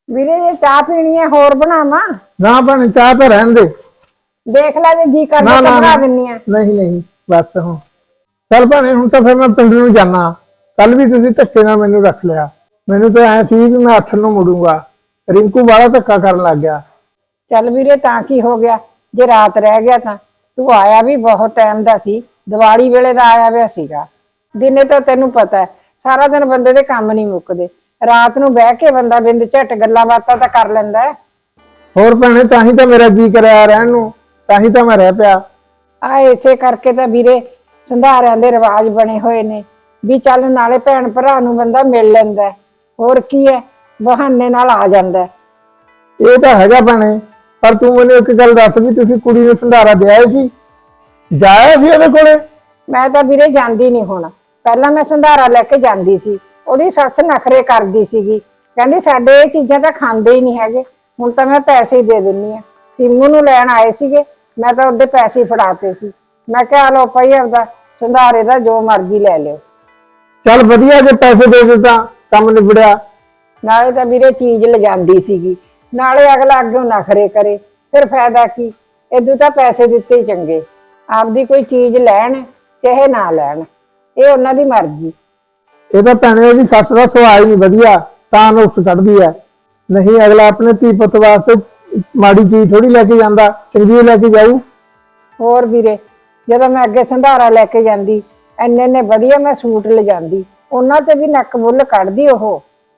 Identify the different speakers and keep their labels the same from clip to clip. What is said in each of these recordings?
Speaker 1: ਵੀਰੇ ਜੇ ਚਾਹ ਪੀਣੀ ਹੈ ਹੋਰ ਬਣਾਵਾਂ?
Speaker 2: ਨਾ ਭੈਣੇ ਚਾਹ ਤਾਂ ਰਹਿਣ ਦੇ।
Speaker 1: ਦੇਖ ਲੈ ਜੇ ਜੀ ਕਰਦਾ
Speaker 2: ਨਾ
Speaker 1: ਤਾਂ
Speaker 2: ਨਾ
Speaker 1: ਬਣਾ ਦਿੰਨੀ ਆ।
Speaker 2: ਨਹੀਂ ਨਹੀਂ ਬਸ ਹੁਣ ਚੱਲ ਭੈਣੇ ਹੁਣ ਤਾਂ ਫਿਰ ਮੈਂ ਪਿੰਡ ਨੂੰ ਜਾਣਾ। ਕੱਲ ਵੀ ਤੁਸੀਂ ਧੱਕੇ ਨਾਲ ਮੈਨੂੰ ਰੱਖ ਲਿਆ। ਮੈਨੂੰ ਤਾਂ ਐ ਸੀ ਵੀ ਮੈਂ ਹੱਥ ਨੂੰ ਮੁੜੂੰਗਾ। ਰਿੰਕੂ ਬਾਹਲਾ ਧੱਕਾ ਕਰਨ ਲੱਗ ਗਿਆ।
Speaker 1: ਚੱਲ ਵੀਰੇ ਤਾਂ ਕੀ ਹੋ ਗਿਆ, ਜੇ ਰਾਤ ਰਹਿ ਗਿਆ ਤਾਂ ਤੂੰ ਆਇਆ ਵੀ ਬਹੁਤ ਟਾਈਮ ਦਾ ਸੀ, ਦੀਵਾਲੀ ਵੇਲੇ ਦਾ ਆਇਆ ਹੋਇਆ ਸੀਗਾ। ਦਿਨੇ ਤਾਂ ਤੈਨੂੰ ਪਤਾ ਹੈ ਸਾਰਾ ਦਿਨ ਬੰਦੇ ਦੇ ਕੰਮ ਨਹੀਂ ਮੁੱਕਦੇ, ਰਾਤ ਨੂੰ ਬਹਿ ਕੇ ਬੰਦਾ ਬਿੰਦ ਝਟ ਗੱਲਾਂ ਬਾਤਾਂ ਤਾਂ ਕਰ ਲੈਂਦਾ ਹੈ।
Speaker 2: ਹੋਰ ਭੈਣੇ ਤਾਂ ਹੀ ਤਾਂ ਮੇਰਾ ਜੀ ਕਰਿਆ ਰਹਿਣ ਨੂੰ, ਤਾਂ ਹੀ ਤਾਂ ਮੈਂ ਰਹਿ ਪਿਆ।
Speaker 1: ਆ ਇਸੇ ਕਰਕੇ ਤਾਂ ਵੀਰੇ ਸੰਧਾਰਿਆਂ ਦੇ ਰਿਵਾਜ ਬਣੇ ਹੋਏ ਨੇ ਵੀ ਚੱਲ ਨਾਲੇ ਭੈਣ ਭਰਾ ਨੂੰ ਬੰਦਾ ਮਿਲ ਲੈਂਦਾ ਹੈ। ਹੋਰ ਕੀ ਹੈ, ਬਹਾਨੇ ਨਾਲ ਆ ਜਾਂਦਾ ਹੈ।
Speaker 2: ਇਹ ਤਾਂ ਹੈਗਾ ਭੈਣੇ, ਪਰ ਤੂੰ ਮੈਨੂੰ ਇੱਕ ਗੱਲ ਦੱਸ ਵੀ ਤੁਸੀਂ ਕੁੜੀ ਨੂੰ ਸੰਧਾਰਾ ਦਿਆ ਸੀ? ਜਾਇਆ ਸੀ ਉਹਦੇ ਕੋਲੇ?
Speaker 1: ਮੈਂ ਤਾਂ ਵੀਰੇ ਜਾਂਦੀ ਨਹੀਂ ਹੁਣ, ਪਹਿਲਾਂ ਮੈਂ ਸੰਧਾਰਾ ਲੈ ਕੇ ਜਾਂਦੀ ਸੀ। ਉਹਦੀ ਸੱਸ ਨਖਰੇ ਕਰਦੀ ਸੀਗੀ, ਕਹਿੰਦੀ ਸਾਡੇ ਇਹ ਚੀਜ਼ਾਂ ਤਾਂ ਖਾਂਦੇ ਹੀ ਨਹੀਂ ਹੈਗੇ। ਹੁਣ ਤਾਂ ਮੈਂ ਪੈਸੇ ਹੀ ਦੇ ਦਿੰਨੀ ਆ। ਸਿੰਮੂ ਨੂੰ ਲੈਣ ਆਏ ਸੀਗੇ, ਮੈਂ ਤਾਂ ਉਹਦੇ ਪੈਸੇ ਹੀ ਫੜਾਤੇ ਸੀ। ਮੈਂ ਕਿਹਾ ਲਓ ਭਾਈ ਆਪਦਾ ਸੰਧਾਰੇ ਦਾ ਜੋ ਮਰਜ਼ੀ ਲੈ ਲਿਓ।
Speaker 2: ਚੱਲ ਵਧੀਆ, ਜੇ ਪੈਸੇ ਦੇ ਦਿੱਤਾ ਕੰਮ ਨਿਬੜਿਆ।
Speaker 1: ਨਾਲੇ ਤਾਂ ਵੀਰੇ ਚੀਜ਼ ਲਿਜਾਂਦੀ ਸੀਗੀ, ਨਾਲੇ ਅਗਲਾ ਅੱਗੋਂ ਨਖਰੇ ਕਰੇ, ਫਿਰ ਫਾਇਦਾ ਕੀ? ਇਦੋਂ ਤਾਂ ਪੈਸੇ ਦਿੱਤੇ ਹੀ ਚੰਗੇ। ਆਪਦੀ ਕੋਈ ਚੀਜ਼ ਲੈਣ ਚਾਹੇ ਨਾ ਲੈਣ, ਇਹ ਉਹਨਾਂ ਦੀ ਮਰਜ਼ੀ।
Speaker 2: ਇਹ ਤਾਂ ਭੈਣੇ ਉਹਦੀ ਸੱਸ ਦਾ ਸੁਭਾਅ ਹੀ ਨਹੀਂ ਵਧੀਆ, ਤਾਂ ਨੁਕਸ ਕੱਢਦੀ ਹੈ। ਨਹੀਂ ਅਗਲਾ ਆਪਣੇ ਧੀ ਪੁੱਤ ਵਾਸਤੇ ਮਾੜੀ ਚੀਜ਼ ਥੋੜੀ ਲੈ ਕੇ ਜਾਂਦਾ, ਚੰਗੀ ਲੈ ਕੇ ਜਾਊ।
Speaker 1: ਹੋਰ ਵੀਰੇ, ਜਦੋਂ ਮੈਂ ਅੱਗੇ ਸੰਧਾਰਾ ਲੈ ਕੇ ਜਾਂਦੀ, ਇੰਨੇ ਵਧੀਆ ਮੈਂ ਸੂਟ ਲਿਜਾਂਦੀ, ਉਹਨਾਂ ਤੇ ਵੀ ਨੱਕ ਬੁੱਲ ਕੱਢਦੀ ਉਹ।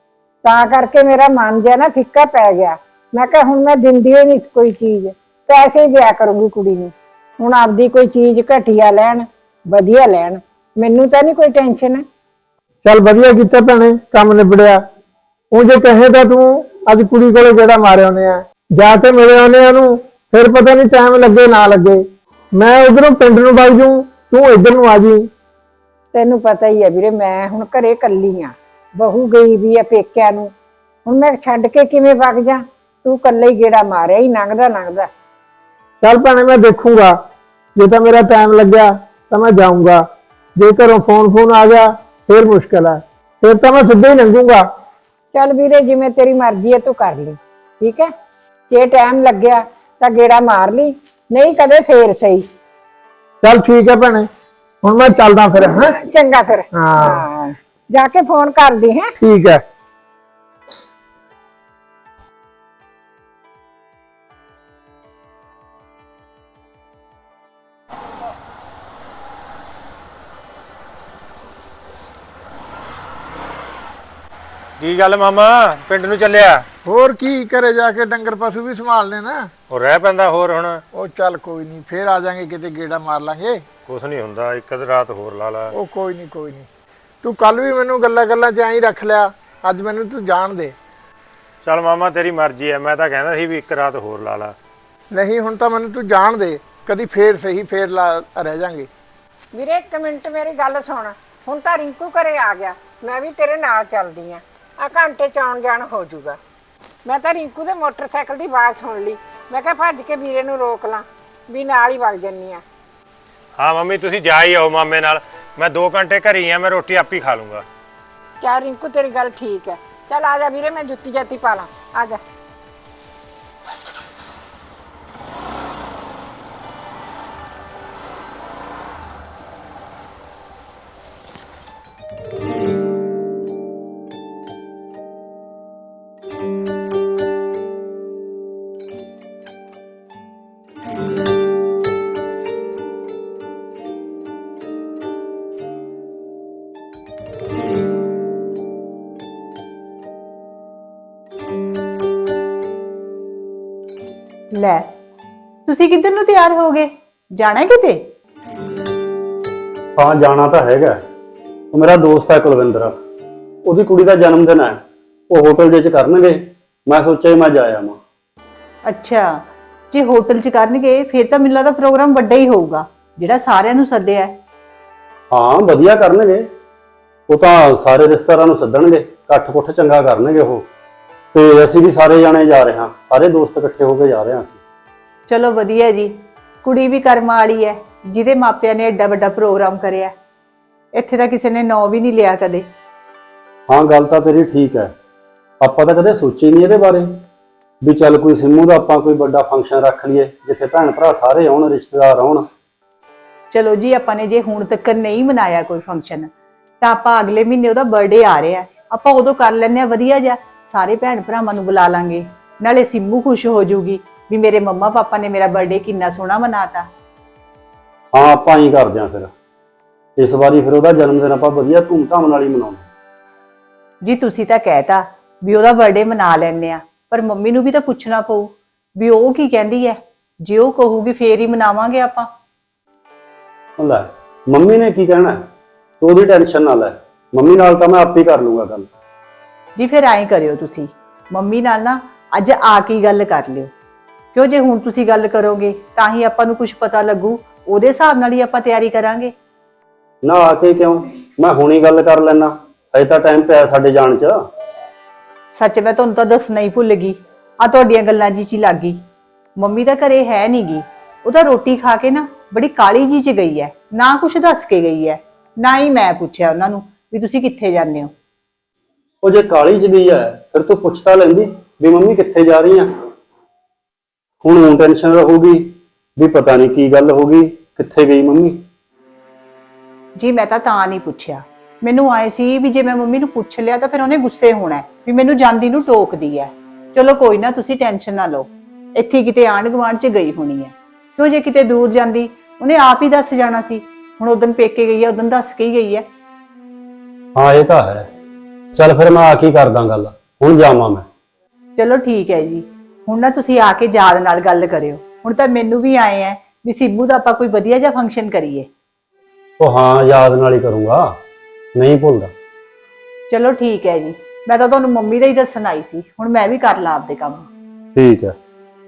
Speaker 1: ਤਾਂ ਕਰਕੇ ਮੇਰਾ ਮਨ ਜਿਹਾ ਨਾ ਫਿੱਕਾ ਪੈ ਗਿਆ। ਮੈਂ ਕਿਹਾ ਹੁਣ ਮੈਂ ਦਿੰਦੀ ਹੀ ਨਹੀਂ ਕੋਈ ਚੀਜ਼, ਪੈਸੇ ਹੀ ਦਿਆ ਕਰੂੰਗੀ ਕੁੜੀ ਨੂੰ। ਹੁਣ ਆਪਦੀ ਕੋਈ ਚੀਜ਼ ਘਟੀਆ ਲੈਣ ਵਧੀਆ ਲੈਣ, ਮੈਨੂੰ ਤਾਂ ਨਹੀਂ ਕੋਈ ਟੈਨਸ਼ਨ।
Speaker 2: ਚੱਲ ਵਧੀਆ ਕੀਤਾ ਭੈਣੇ, ਕੰਮ ਨਿਬੜਿਆ। ਉਹ ਜੇ ਕਹੇ ਤਾਂ ਤੂੰ ਅੱਜ ਕੁੜੀ ਕੋਲੇ ਜਿਹੜਾ ਮਾਰੇ ਆਉਨੇ ਆ, ਜਾ ਕੇ ਮਿਲੇ ਆਉਨੇ ਆ ਉਹਨੂੰ, ਫਿਰ ਪਤਾ ਨਹੀਂ ਟਾਈਮ ਲੱਗੇ ਨਾ ਲੱਗੇ। ਮੈਂ ਉਧਰੋਂ ਪਿੰਡ ਨੂੰ ਵਗ ਜੂ, ਤੂੰ ਇੱਧਰ ਨੂੰ ਆ ਜੀ।
Speaker 1: ਤੈਨੂੰ ਪਤਾ ਹੀ ਹੈ ਵੀਰੇ, ਮੈਂ ਹੁਣ ਘਰੇ ਇਕੱਲੀ ਆ, ਬਹੂ ਗਈ ਵੀ ਆ ਪੇਕਿਆਂ ਨੂੰ। ਹੁਣ ਮੈਂ ਛੱਡ ਕੇ ਕਿਵੇਂ ਵਗ ਜਾ? ਤੂੰ ਇਕੱਲਾ ਹੀ ਗੇੜਾ ਮਾਰਿਆ ਹੀ ਲੰਘਦਾ ਲੰਘਦਾ।
Speaker 2: ਚੱਲ ਭੈਣੇ ਮੈਂ ਦੇਖੂੰਗਾ, ਜੇ ਤਾਂ ਮੇਰਾ ਟਾਈਮ ਲੱਗਿਆ ਤਾਂ ਮੈਂ ਜਾਊਂਗਾ। ਜੇ ਘਰੋਂ ਫੋਨ ਆ ਗਿਆ ਫਿਰ ਮੁਸ਼ਕਿਲ ਹੈ, ਫਿਰ ਤਾਂ ਮੈਂ ਸਿੱਧਾ ਹੀ ਲੰਘੂੰਗਾ।
Speaker 1: ਚੱਲ ਵੀਰੇ ਜਿਵੇਂ ਤੇਰੀ ਮਰਜ਼ੀ ਹੈ ਤੂੰ ਕਰ ਲਈ, ਠੀਕ ਹੈ। ਜੇ ਟਾਈਮ ਲੱਗਿਆ ਤਾਂ ਗੇੜਾ ਮਾਰ ਲਈ, ਨਹੀਂ ਕਦੇ ਫੇਰ ਸਹੀ।
Speaker 2: ਚੱਲ ਠੀਕ ਹੈ ਭੈਣੇ, ਹੁਣ ਮੈਂ ਚੱਲਦਾ ਫਿਰ। ਹੈ
Speaker 1: ਚੰਗਾ ਫਿਰ।
Speaker 2: ਹਾਂ
Speaker 1: ਜਾ ਕੇ ਫੋਨ ਕਰਦੀ ਹੈ।
Speaker 2: ਠੀਕ ਹੈ।
Speaker 3: ਕੀ ਗੱਲ ਮਾਮਾ, ਪਿੰਡ ਨੂੰ ਚੱਲਿਆ?
Speaker 2: ਹੋਰ ਕੀ ਕਰੇ, ਜਾ ਕੇ ਡੰਗਰ ਪਸ਼ੂ ਵੀ ਸੰਭਾਲਨੇ ਨਾ।
Speaker 3: ਉਹ ਰਹਿ ਪੈਂਦਾ ਹੋਰ ਹੁਣ।
Speaker 2: ਉਹ ਚੱਲ ਕੋਈ ਨਹੀਂ, ਫੇਰ ਆ ਜਾਾਂਗੇ, ਕਿਤੇ ਗੇੜਾ ਮਾਰ ਲਾਂਗੇ।
Speaker 3: ਕੁਛ ਨਹੀਂ ਹੁੰਦਾ, ਇੱਕ ਅੱਧ ਰਾਤ ਹੋਰ ਲਾ ਲਾ।
Speaker 2: ਉਹ ਕੋਈ ਨਹੀਂ। ਤੂੰ ਕੱਲ ਵੀ ਮੈਨੂੰ ਗੱਲਾਂ ਚ ਐਂ ਰੱਖ ਲਿਆ, ਅੱਜ ਮੈਨੂੰ ਤੂੰ ਜਾਣ ਦੇ।
Speaker 3: ਚੱਲ ਮਾਮਾ ਤੇਰੀ ਮਰਜ਼ੀ ਹੈ, ਮੈਂ ਤਾਂ ਕਹਿੰਦਾ ਸੀ ਵੀ ਇੱਕ ਰਾਤ ਹੋਰ ਲਾ ਲਾ।
Speaker 2: ਨਹੀਂ ਹੁਣ ਤਾਂ ਮੈਨੂੰ ਤੂੰ ਜਾਣ ਦੇ, ਕਦੀ ਫੇਰ ਸਹੀ, ਫੇਰ ਰਹਿ ਜਾਾਂਗੇ।
Speaker 1: ਵੀਰੇ ਇੱਕ ਮਿੰਟ ਮੇਰੀ ਗੱਲ ਸੁਣ, ਹੁਣ ਤਾਂ ਰਿੰਕੂ ਘਰੇ ਆ ਗਿਆ, ਮੈਂ ਵੀ ਤੇਰੇ ਨਾਲ ਚੱਲਦੀ ਆ ਘੰਟੇ ਚ ਆਉਣ ਜਾਣ ਹੋ ਜਾਊਗਾ। ਮੈਂ ਤਾਂ ਰਿੰਕੂ ਦੇ ਮੋਟਰਸਾਈਕਲ ਦੀ ਆਵਾਜ਼ ਸੁਣ ਲਈ, ਮੈਂ ਕਿਹਾ ਭੱਜ ਕੇ ਵੀਰੇ ਨੂੰ ਰੋਕ ਲਾਂ, ਵੀ ਨਾਲ ਹੀ ਵਗ ਜੰਨੀ ਆ।
Speaker 3: ਹਾਂ ਮੰਮੀ ਤੁਸੀਂ ਜਾ ਹੀ ਆਓ ਮਾਮੇ ਨਾਲ, ਮੈਂ 2 ਘੰਟੇ ਘਰੇ ਹੀ ਆ, ਮੈਂ ਰੋਟੀ ਆਪੇ ਖਾ ਲੂੰਗਾ।
Speaker 1: ਚੱਲ ਰਿੰਕੂ ਤੇਰੀ ਗੱਲ ਠੀਕ ਹੈ, ਚੱਲ ਆ ਜਾ ਵੀਰੇ, ਮੈਂ ਜੁੱਤੀ ਜਾਤੀ ਪਾ ਲਾਂ, ਆ ਜਾ।
Speaker 4: ਲੈ ਤੁਸੀਂ ਕਿੱਧਰ ਨੂੰ ਤਿਆਰ ਹੋ ਗਏ, ਜਾਣਾ ਕਿਤੇ?
Speaker 5: ਹਾਂ ਜਾਣਾ ਤਾਂ ਹੈਗਾ। ਉਹ ਮੇਰਾ ਦੋਸਤ ਹੈ ਕੁਲਵਿੰਦਰ, ਉਹਦੀ ਕੁੜੀ ਦਾ ਜਨਮ ਦਿਨ ਹੈ, ਉਹ ਹੋਟਲ ਦੇ ਚ ਕਰਨਗੇ। ਮੈਂ ਸੋਚਿਆ ਮੈਂ ਜਾ ਆਵਾਂ।
Speaker 4: ਅੱਛਾ, ਜੇ ਹੋਟਲ 'ਚ ਕਰਨਗੇ ਫਿਰ ਤਾਂ ਮੈਨੂੰ ਲੱਗਦਾ ਪ੍ਰੋਗਰਾਮ ਵੱਡਾ ਹੀ ਹੋਊਗਾ, ਜਿਹੜਾ ਸਾਰਿਆਂ ਨੂੰ ਸੱਦਿਆ ਹੈ।
Speaker 5: ਹਾਂ ਵਧੀਆ ਕਰਨਗੇ, ਉਹ ਤਾਂ ਸਾਰੇ ਰਿਸ਼ਤੇਦਾਰਾਂ ਨੂੰ ਸੱਦਣਗੇ, ਇਕੱਠ ਕੁੱਠ ਚੰਗਾ ਕਰਨਗੇ ਉਹ। ਤੇ ਅਸੀਂ ਵੀ ਸਾਰੇ ਜਾਣੇ ਜਾ ਰਹੇ ਹਾਂ, ਸਾਰੇ ਦੋਸਤ ਇਕੱਠੇ ਹੋ ਕੇ ਜਾ ਰਹੇ ਹਾਂ ਅਸੀਂ।
Speaker 4: ਚਲੋ ਵਧੀਆ ਜੀ, ਕੁੜੀ ਵੀ ਕਰਮਾਂ ਵਾਲੀ ਹੈ ਜਿਹਦੇ ਮਾਪਿਆਂ ਨੇ ਐਡਾ ਵੱਡਾ ਪ੍ਰੋਗਰਾਮ ਕਰਿਆ। ਇੱਥੇ ਤਾਂ ਕਿਸੇ ਨੇ ਨਾਂ ਵੀ ਨਹੀਂ ਲਿਆ ਕਦੇ।
Speaker 5: ਹਾਂ ਗੱਲ ਤਾਂ ਤੇਰੀ ਠੀਕ ਹੈ, ਆਪਾਂ ਤਾਂ ਕਦੇ ਸੋਚੇ ਨਹੀਂ ਇਹਦੇ ਬਾਰੇ ਵੀ ਚੱਲ ਕੋਈ ਸਿੰਮੂ ਦਾ ਆਪਾਂ ਕੋਈ ਵੱਡਾ ਫੰਕਸ਼ਨ ਰੱਖ ਲਈਏ ਜਿੱਥੇ ਭੈਣ ਭਰਾ ਸਾਰੇ ਆਉਣ, ਰਿਸ਼ਤੇਦਾਰ ਆਉਣ।
Speaker 4: ਚਲੋ ਜੀ, ਆਪਾਂ ਨੇ ਜੇ ਹੁਣ ਤੱਕ ਨਹੀਂ ਮਨਾਇਆ ਕੋਈ ਫੰਕਸ਼ਨ, ਤਾਂ ਆਪਾਂ ਅਗਲੇ ਮਹੀਨੇ ਉਹਦਾ ਬਰਥਡੇ ਆ ਰਿਹਾ, ਆਪਾਂ ਉਦੋਂ ਕਰ ਲੈਂਦੇ ਆ ਵਧੀਆ ਜਿਹਾ। ਸਾਰੇ ਭੈਣ ਭਰਾਵਾਂ ਨੂੰ ਬੁਲਾ ਲਾਂਗੇ, ਨਾਲੇ ਸਿੰਮੂ ਖੁਸ਼ ਹੋ ਜਾਊਗੀ ਵੀ ਮੇਰੇ ਮੰਮਾ ਪਾਪਾ ਨੇ ਮੇਰਾ ਬਰਥਡੇ ਕਿੰਨਾ ਸੋਹਣਾ ਮਨਾਤਾ।
Speaker 5: ਹਾਂ, ਆਪਾਂ ਹੀ ਕਰਦੇ ਆਂ ਫਿਰ। ਇਸ ਵਾਰੀ ਫਿਰ ਉਹਦਾ ਜਨਮ ਦਿਨ ਆਪਾਂ ਵਧੀਆ ਧੂਮਧਾਮ ਨਾਲ ਹੀ ਮਨਾਉਣਾ।
Speaker 4: ਜੀ ਤੁਸੀਂ ਤਾਂ ਕਹਿਤਾ ਵੀ ਉਹਦਾ ਬਰਥਡੇ ਮਨਾ ਲੈਂਦੇ ਆ, ਪਰ ਮੰਮੀ ਨੂੰ ਵੀ ਤਾਂ ਪੁੱਛਣਾ ਪਊ ਵੀ ਉਹ ਕੀ ਕਹਿੰਦੀ ਹੈ। ਜੇ ਉਹ ਕਹੂਗੀ ਫੇਰ ਹੀ ਮਨਾਵਾਂਗੇ ਆਪਾਂ।
Speaker 5: ਲੈ, ਮੰਮੀ ਨੇ ਕੀ ਕਹਿਣਾ, ਤੂੰ ਉਹਦੀ ਟੈਨਸ਼ਨ ਨਾ ਲੈ। ਮੰਮੀ ਨਾਲ ਤਾਂ ਮੈਂ ਆਪੇ ਕਰ ਲੂੰਗਾ ਗੱਲ।
Speaker 4: ਜੀ ਫਿਰ ਐਂ ਕਰਿਓ, ਤੁਸੀਂ ਮੰਮੀ ਨਾਲ ਨਾ ਅੱਜ ਆ ਕੇ ਗੱਲ ਕਰ ਲਿਓ, ਕਿਉਂ ਜੇ ਹੁਣ ਤੁਸੀਂ ਗੱਲ ਕਰੋਗੇ ਤਾਂ ਹੀ ਆਪਾਂ ਨੂੰ ਕੁਝ ਪਤਾ ਲੱਗੂ, ਉਹਦੇ ਹਿਸਾਬ ਨਾਲ ਹੀ ਆਪਾਂ ਤਿਆਰੀ ਕਰਾਂਗੇ।
Speaker 5: ਨਾ ਆ ਕੇ ਕਿਉਂ, ਮੈਂ ਹੁਣੀ ਗੱਲ ਕਰ ਲੈਣਾ, ਹਜੇ ਤਾਂ ਟਾਈਮ ਪਿਆ ਸਾਡੇ ਜਾਣ 'ਚ।
Speaker 4: ਸੱਚ ਮੈਂ ਤੁਹਾਨੂੰ ਤਾਂ ਦੱਸਣਾ ਹੀ ਭੁੱਲ ਗਈ, ਆ ਤੁਹਾਡੀਆਂ ਗੱਲਾਂ ਜੀ 'ਚ ਹੀ ਲੱਗ ਗਈ। ਮੰਮੀ ਤਾਂ ਘਰੇ ਹੈ ਨੀ ਗੀ, ਉਹ ਤਾਂ ਰੋਟੀ ਖਾ ਕੇ ਨਾ ਬੜੀ ਕਾਲੀ ਜੀ 'ਚ ਗਈ ਹੈ, ਨਾ ਕੁਛ ਦੱਸ ਕੇ ਗਈ ਹੈ, ਨਾ ਹੀ ਮੈਂ ਪੁੱਛਿਆ ਉਹਨਾਂ ਨੂੰ ਵੀ ਤੁਸੀਂ ਕਿੱਥੇ ਜਾਂਦੇ ਹੋ।
Speaker 5: ਉਹ ਜੇ ਕਾਲੀ 'ਚ ਗਈ ਹੈ ਫਿਰ ਤੂੰ ਪੁੱਛ ਤਾਂ ਲੈਂਦੀ ਵੀ ਮੰਮੀ ਕਿੱਥੇ ਜਾ ਰਹੀ ਆ। ਹੁਣ ਟੈਨਸ਼ਨ ਰਹੂਗੀ ਵੀ ਪਤਾ ਨਹੀਂ ਕੀ ਗੱਲ ਹੋ ਗਈ, ਕਿੱਥੇ ਗਈ ਮੰਮੀ।
Speaker 4: ਜੀ ਮੈਂ ਤਾਂ ਨਹੀਂ ਪੁੱਛਿਆ, ਮੈਨੂੰ ਆਏ ਸੀ ਵੀ ਜੇ ਮੈਂ ਮੰਮੀ ਨੂੰ ਪੁੱਛ ਲਿਆ ਤਾਂ ਫਿਰ ਉਹਨੇ ਗੁੱਸੇ ਹੋਣਾ ਵੀ ਮੈਨੂੰ ਜਾਂਦੀ ਨੂੰ ਟੋਕਦੀ ਹੈ। ਚਲੋ ਕੋਈ ਨਾ, ਤੁਸੀਂ ਟੈਨਸ਼ਨ ਨਾ ਲਓ, ਇੱਥੇ ਕਿਤੇ ਆਂਢ ਗੁਆਂਢ 'ਚ ਗਈ ਹੋਣੀ ਹੈ। ਕਿਉਂ ਜੇ ਕਿਤੇ ਦੂਰ ਜਾਂਦੀ ਉਹਨੇ ਆਪ ਹੀ ਦੱਸ ਜਾਣਾ ਸੀ। ਹੁਣ ਉਦੋਂ ਪੇਕੇ ਗਈ ਹੈ, ਉਦੋਂ ਦੱਸ ਕੇ ਹੀ ਗਈ ਹੈ।
Speaker 5: ਹਾਂ ਇਹ ਤਾਂ ਹੈ। ਚੱਲ ਫਿਰ ਮੈਂ ਆ ਕੇ ਕਰਦਾ ਗੱਲ, ਹੁਣ ਜਾਵਾਂ ਮੈਂ।
Speaker 4: ਚਲੋ ਠੀਕ ਹੈ ਜੀ, ਹੁਣ ਨਾ ਤੁਸੀਂ ਆ ਕੇ ਯਾਦ ਨਾਲ ਗੱਲ ਕਰਿਓ। ਹੁਣ ਤਾਂ ਮੈਨੂੰ ਵੀ ਆਏ ਹੈ ਵੀ ਸਿੰਮੂ ਦਾ ਆਪਾਂ ਕੋਈ ਵਧੀਆ ਜਿਹਾ ਫੰਕਸ਼ਨ ਕਰੀਏ।
Speaker 5: ਉਹ ਹਾਂ, ਯਾਦ ਨਾਲ ਹੀ ਕਰੂੰਗਾ, ਨਹੀਂ ਭੁੱਲਦਾ।
Speaker 4: ਚਲੋ ਠੀਕ ਹੈ ਜੀ, ਮੈਂ ਤਾਂ ਤੁਹਾਨੂੰ ਮੰਮੀ ਦਾ ਹੀ ਦੱਸਣ ਆਈ ਸੀ, ਹੁਣ ਮੈਂ ਵੀ ਕਰ ਲਾਂ ਆਪਦੇ ਕੰਮ।
Speaker 5: ਠੀਕ ਹੈ।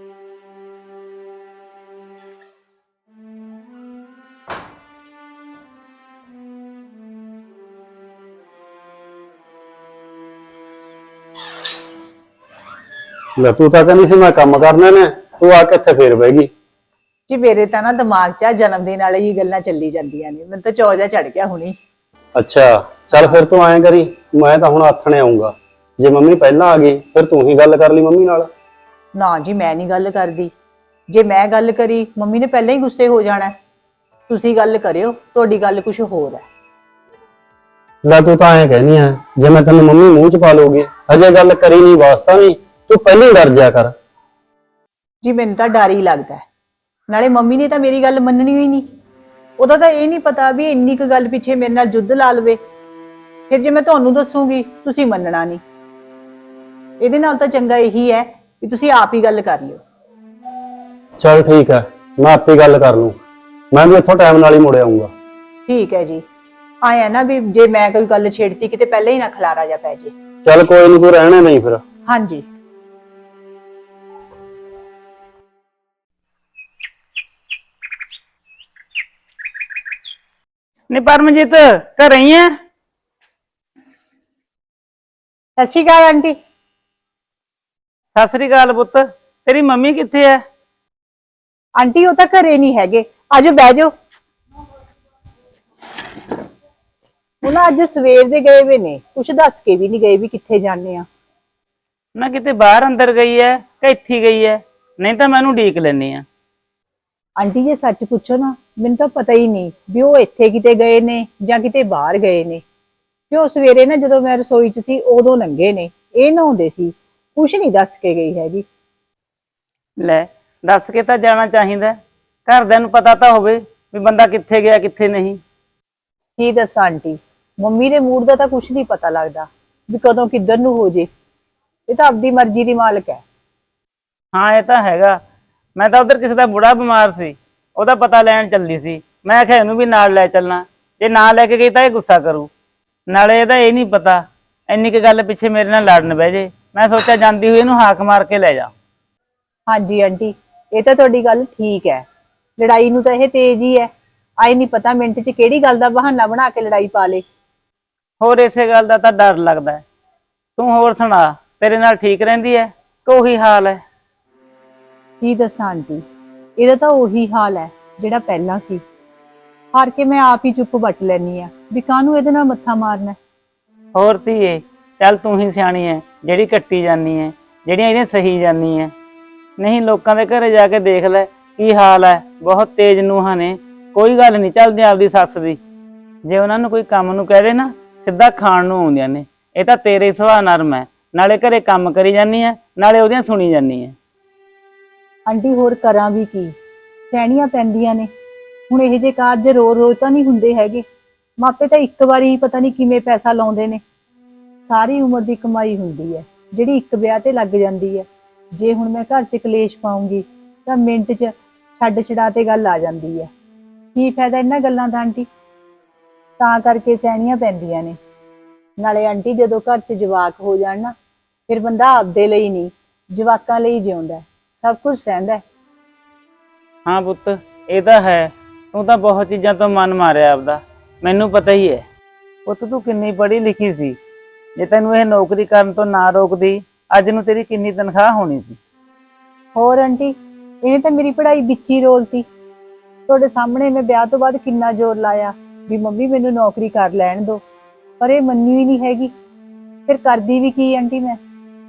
Speaker 5: ਲੈ, ਤੂੰ ਤਾਂ ਕਹਿੰਦੀ ਸੀ ਮੈਂ ਕੰਮ ਕਰਨੇ ਨੇ, ਤੂੰ ਆ ਕੇ ਇੱਥੇ ਫੇਰ ਬਹਿ ਗਈ।
Speaker 4: ਜੀ ਮੇਰੇ ਤਾਂ ਨਾ ਦਿਮਾਗ 'ਚ ਜਨਮ ਦਿਨ ਵਾਲੇ ਹੀ ਗੱਲਾਂ ਚੱਲੀ ਜਾਂਦੀਆਂ ਨੇ, ਮੈਨੂੰ ਤਾਂ ਚੌ ਜਿਹਾ ਚੜ ਗਿਆ ਹੁਣੀ।
Speaker 5: ਅੱਛਾ, ਚੱਲ ਫਿਰ ਤੂੰ ਐਂ ਕਰੀ, ਮੈਂ ਤਾਂ ਹੁਣ ਆਥਣੇ ਆਉਂਗਾ। ਜੇ ਮੰਮੀ ਪਹਿਲਾਂ ਆ ਗਈ ਫਿਰ ਤੂੰ ਹੀ ਗੱਲ ਕਰ ਲਈ ਮੰਮੀ ਨਾਲ।
Speaker 4: ਨਾ ਜੀ, ਮੈਂ ਨਹੀਂ ਗੱਲ ਕਰਦੀ। ਜੇ ਮੈਂ ਗੱਲ ਕਰੀ ਮੰਮੀ ਨੇ ਪਹਿਲਾਂ ਹੀ ਗੁੱਸੇ ਹੋ ਜਾਣਾ। ਤੁਸੀਂ ਗੱਲ ਕਰਿਓ, ਤੁਹਾਡੀ ਗੱਲ ਕੁਝ ਹੋਰ ਹੈ।
Speaker 5: ਲੈ, ਤੂੰ ਤਾਂ ਐਂ ਕਹਿਨੀ ਆ ਜੇ ਮੈਂ ਤੈਨੂੰ ਮੰਮੀ ਮੂੰਹ 'ਚ ਪਾ ਲਊਗੀ, ਅਜੇ ਗੱਲ ਕਰੀ ਨਹੀਂ, ਵਾਸਤਾ ਨਹੀਂ, ਤੂੰ ਪਹਿਲਾਂ ਹੀ ਡਰ ਜਾ ਕਰ।
Speaker 4: ਜੀ ਮੈਨੂੰ ਤਾਂ ਡਰ ਹੀ ਲੱਗਦਾ ਹੈ। ਨਾਲੇ ਮੰਮੀ ਨੇ ਤਾਂ ਮੇਰੀ ਗੱਲ ਮੰਨਣੀ ਹੀ ਨਹੀਂ। ਉਹਦਾ ਤਾਂ ਇਹ ਨਹੀਂ ਪਤਾ ਵੀ ਇੰਨੀ ਕੁ ਗੱਲ ਪਿੱਛੇ ਮੇਰੇ ਨਾਲ ਜੁੱਧ ਲਾ ਲਵੇ। ਫਿਰ ਜੇ ਮੈਂ ਤੁਹਾਨੂੰ ਦੱਸੂਗੀ ਤੁਸੀਂ ਮੰਨਣਾ ਨਹੀਂ। ਇਹਦੇ ਨਾਲ ਤਾਂ ਚੰਗਾ ਇਹੀ ਹੈ ਵੀ ਤੁਸੀਂ ਆਪ ਹੀ ਗੱਲ ਕਰ ਲਿਓ।
Speaker 5: ਚੱਲ ਠੀਕ ਹੈ, ਮੈਂ ਆਪੇ ਗੱਲ ਕਰ ਲੂੰ। ਮੈਂ ਵੀ ਇੱਥੋਂ ਟਾਈਮ ਨਾਲ ਹੀ ਮੁੜ ਆਊਂਗਾ।
Speaker 4: ਠੀਕ ਹੈ ਜੀ, ਆਇਆ ਨਾ ਵੀ ਜੇ ਮੈਂ ਕੋਈ ਗੱਲ ਛੇੜਤੀ ਕਿਤੇ ਪਹਿਲਾਂ ਹੀ ਨਾ ਖਲਾਰਾ ਜਾ ਪੈ ਜੇ।
Speaker 5: ਚੱਲ ਕੋਈ ਨਹੀਂ, ਤੂੰ ਰਹਿਣਾ ਨਹੀਂ ਫਿਰ।
Speaker 4: ਹਾਂਜੀ।
Speaker 6: ਨੀ ਪਰਮਜੀਤ, ਘਰੇ ਹੀ ਐ?
Speaker 1: ਸਤਿ ਸ਼੍ਰੀ ਅਕਾਲ ਆਂਟੀ।
Speaker 6: ਸਤਿ ਸ੍ਰੀ ਅਕਾਲ ਪੁੱਤ, ਤੇਰੀ ਮੰਮੀ ਕਿੱਥੇ ਐ?
Speaker 1: ਆਂਟੀ ਉਹ ਤਾਂ ਘਰੇ ਨਹੀਂ ਹੈਗੇ, ਆਜੋ ਬਹਿ ਜਾਓ। ਉਹ ਨਾ ਅੱਜ ਸਵੇਰ ਦੇ ਗਏ ਵੇ ਨੇ, ਕੁਛ ਦੱਸ ਕੇ ਵੀ ਨਹੀਂ ਗਏ ਵੀ ਕਿੱਥੇ ਜਾਣੇ ਆ।
Speaker 6: ਨਾ ਕਿਤੇ ਬਾਹਰ ਅੰਦਰ ਗਈ ਐ ਕਿ ਇੱਥੇ ਗਈ ਐ? ਨਹੀਂ ਤਾਂ ਮੈਂ ਉਹਨੂੰ ਉਡੀਕ ਲੈਣੀ ਆ।
Speaker 1: ਆਂਟੀ ਜੇ ਸੱਚ ਪੁੱਛੋ ਨਾ, ਮੈਨੂੰ ਤਾਂ ਪਤਾ ਹੀ ਨਹੀਂ ਵੀ ਉਹ ਇੱਥੇ ਕਿਤੇ ਗਏ ਨੇ ਜਾਂ ਕਿਤੇ ਬਾਹਰ ਗਏ ਨੇ। ਕਿਉਂ ਸਵੇਰੇ ਨਾ ਜਦੋਂ ਮੈਂ ਰਸੋਈ 'ਚ ਸੀ ਉਦੋਂ ਲੰਘੇ ਨੇ, ਇਹ ਨਹਾਉਂਦੇ ਸੀ, ਕੁਛ ਨਹੀਂ ਦੱਸ ਕੇ ਗਈ ਹੈਗੀ।
Speaker 6: ਲੈ, ਦੱਸ ਕੇ ਤਾਂ ਜਾਣਾ ਚਾਹੀਦਾ, ਘਰਦਿਆਂ ਨੂੰ ਪਤਾ ਤਾਂ ਹੋਵੇ ਵੀ ਬੰਦਾ ਕਿੱਥੇ ਗਿਆ ਕਿੱਥੇ ਨਹੀਂ।
Speaker 1: ਕੀ ਦੱਸਾਂ ਆਂਟੀ, ਮੰਮੀ ਦੇ ਮੂਡ ਦਾ ਤਾਂ ਕੁਛ ਨਹੀਂ ਪਤਾ ਲੱਗਦਾ ਵੀ ਕਦੋਂ ਕਿੱਧਰ ਨੂੰ ਹੋ ਜੇ। ਇਹ ਤਾਂ ਆਪਦੀ ਮਰਜ਼ੀ ਦੀ ਮਾਲਕ ਹੈ।
Speaker 6: ਹਾਂ ਇਹ ਤਾਂ ਹੈਗਾ। ਮੈਂ ਤਾਂ ਉਧਰ ਕਿਸੇ ਦਾ ਬੁੜਾ ਬਿਮਾਰ ਸੀ, ਉਹਦਾ ਪਤਾ ਲੈਣ ਚੱਲੀ ਸੀ। ਮੈਂ ਆਖਿਆ ਇਹਨੂੰ ਵੀ ਨਾਲ ਲੈ ਚੱਲਣਾ, ਜੇ ਨਾ ਲੈ ਕੇ ਗਈ ਤਾਂ ਇਹ ਗੁੱਸਾ ਕਰੂ। ਨਾਲੇ ਇਹਦਾ ਇਹ ਨਹੀਂ ਪਤਾ ਇੰਨੀ ਕੁ ਗੱਲ ਪਿੱਛੇ ਮੇਰੇ ਨਾਲ ਲੜਨ ਬਹਿ ਜੇ। ਮੈਂ ਸੋਚਿਆ ਜਾਂਦੀ ਹੋਈ ਇਹਨੂੰ ਹਾਕ ਮਾਰ ਕੇ ਲੈ ਜਾ।
Speaker 1: ਹਾਂਜੀ ਆਂਟੀ, ਇਹ ਤਾਂ ਤੁਹਾਡੀ ਗੱਲ ਠੀਕ ਹੈ। ਲੜਾਈ ਨੂੰ ਤਾਂ ਇਹ ਤੇਜ਼ ਹੀ ਹੈ, ਆਈ ਨਹੀਂ ਪਤਾ ਮਿੰਟ 'ਚ ਕਿਹੜੀ ਗੱਲ ਦਾ ਬਹਾਨਾ ਬਣਾ ਕੇ ਲੜਾਈ ਪਾ ਲੇ।
Speaker 6: ਹੋਰ ਇਸੇ ਗੱਲ ਦਾ ਤਾਂ ਡਰ ਲੱਗਦਾ ਹੈ। ਤੂੰ ਹੋਰ ਸੁਣਾ, ਤੇਰੇ ਨਾਲ ਠੀਕ ਰਹਿੰਦੀ ਹੈ ਕਿ ਉਹੀ ਹਾਲ ਹੈ?
Speaker 1: ਕੀ ਦੱਸਾਂ ਆਂਟੀ, ਇਹਦਾ ਤਾਂ ਉਹੀ ਹਾਲ ਹੈ ਜਿਹੜਾ ਪਹਿਲਾਂ ਸੀ। ਹਾਰ ਕੇ ਮੈਂ ਆਪ ਹੀ ਚੁੱਪ ਵੱਟ ਲੈਣੀ ਆ ਵੀ ਕਾਹਨੂੰ ਇਹਦੇ ਨਾਲ ਮੱਥਾ ਮਾਰਨਾ।
Speaker 6: ਹੋਰ ਧੀਏ, ਚੱਲ ਤੂੰ ਹੀ ਸਿਆਣੀ ਐ ਜਿਹੜੀ ਕੱਟੀ ਜਾਨੀ ਐ, ਜਿਹੜੀਆਂ ਇਹਦੀਆਂ ਸਹੀ ਜਾਨੀ ਐ। ਨਹੀਂ ਲੋਕਾਂ ਦੇ ਘਰੇ ਜਾ ਕੇ ਦੇਖ ਲੈ ਕੀ ਹਾਲ ਐ, ਬਹੁਤ ਤੇਜ਼ ਨੂੰਹਾਂ ਨੇ, ਕੋਈ ਗੱਲ ਨਹੀਂ ਚੱਲਦੀ ਆਪਦੀ ਸੱਸ ਦੀ। ਜੇ ਉਹਨਾਂ ਨੂੰ ਕੋਈ ਕੰਮ ਨੂੰ ਕਹਿ ਦੇ ਨਾ ਸਿੱਧਾ ਖਾਣ ਨੂੰ ਆਉਂਦੀਆਂ ਨੇ। ਇਹ ਤਾਂ ਤੇਰੇ ਸੁਭਾਅ ਨਰਮ ਐ, ਨਾਲੇ ਘਰੇ ਕੰਮ ਕਰੀ ਜਾਨੀ ਐ, ਨਾਲੇ ਉਹਦੀਆਂ ਸੁਣੀ ਜਾਨੀ ਐ।
Speaker 4: ਆਂਟੀ ਹੋਰ ਕਰਾਂ ਵੀ ਕੀ, ਸਹਿਣੀਆਂ ਪੈਂਦੀਆਂ ਨੇ। ਹੁਣ ਇਹ ਜੇ ਕਾਰਜ ਰੋਜ਼ ਤਾਂ ਨਹੀਂ ਹੁੰਦੇ ਹੈਗੇ। ਮਾਪੇ ਤਾਂ ਇੱਕ ਵਾਰੀ ਪਤਾ ਨਹੀਂ ਕਿਵੇਂ ਪੈਸਾ ਲਾਉਂਦੇ ਨੇ। ਸਾਰੀ ਉਮਰ ਦੀ ਕਮਾਈ ਹੁੰਦੀ ਹੈ ਜਿਹੜੀ ਇੱਕ ਵਿਆਹ ਤੇ ਲੱਗ ਜਾਂਦੀ ਹੈ। ਜੇ ਹੁਣ ਮੈਂ ਘਰ 'ਚ ਕਲੇਸ਼ ਪਾਉਂਗੀ ਤਾਂ ਮਿੰਟ 'ਚ ਛੱਡ ਛਡਾ ਤੇ ਗੱਲ ਆ ਜਾਂਦੀ ਹੈ। ਕੀ ਫਾਇਦਾ ਇਹਨਾਂ ਗੱਲਾਂ ਦਾ ਆਂਟੀ? ਤਾਂ ਕਰਕੇ ਸਹਿਣੀਆਂ ਪੈਂਦੀਆਂ ਨੇ। ਨਾਲੇ ਆਂਟੀ ਜਦੋਂ ਘਰ 'ਚ ਜਵਾਕ ਹੋ ਜਾਣ ਨਾ, ਫਿਰ ਬੰਦਾ ਆਪਦੇ ਲਈ ਨਹੀਂ ਜਵਾਕਾਂ ਲਈ ਜਿਉਂਦਾ, ਸਭ ਕੁਝ ਸਹਿੰਦਾ ਹੈ।
Speaker 6: ਹਾਂ ਪੁੱਤ, ਇਹ ਤਾਂ ਹੈ। ਤੂੰ ਤਾਂ ਬਹੁਤ ਚੀਜ਼ਾਂ ਤੋਂ ਮਨ ਮਾਰਿਆ ਆਪਦਾ, ਮੈਨੂੰ ਪਤਾ ਹੀ ਹੈ। ਪੁੱਤ ਤੂੰ ਕਿੰਨੀ ਪੜ੍ਹੀ ਲਿਖੀ ਸੀ, ਜੇ ਤੈਨੂੰ ਇਹ ਨੌਕਰੀ ਕਰਨ ਤੋਂ ਨਾ ਰੋਕਦੀ ਅੱਜ ਨੂੰ ਤੇਰੀ ਕਿੰਨੀ ਤਨਖਾਹ ਹੋਣੀ ਸੀ।
Speaker 4: ਹੋਰ ਆਂਟੀ, ਇਹਨੇ ਤਾਂ ਮੇਰੀ ਪੜ੍ਹਾਈ ਵਿੱਚ ਹੀ ਰੋਲਤੀ। ਤੁਹਾਡੇ ਸਾਹਮਣੇ ਮੈਂ ਵਿਆਹ ਤੋਂ ਬਾਅਦ ਕਿੰਨਾ ਜ਼ੋਰ ਲਾਇਆ ਵੀ ਮੰਮੀ ਮੈਨੂੰ ਨੌਕਰੀ ਕਰ ਲੈਣ ਦਿਓ, ਪਰ ਇਹ ਮੰਨੀ ਹੀ ਨਹੀਂ ਹੈਗੀ। ਫਿਰ ਕਰਦੀ ਵੀ ਕੀ ਆਂਟੀ ਮੈਂ?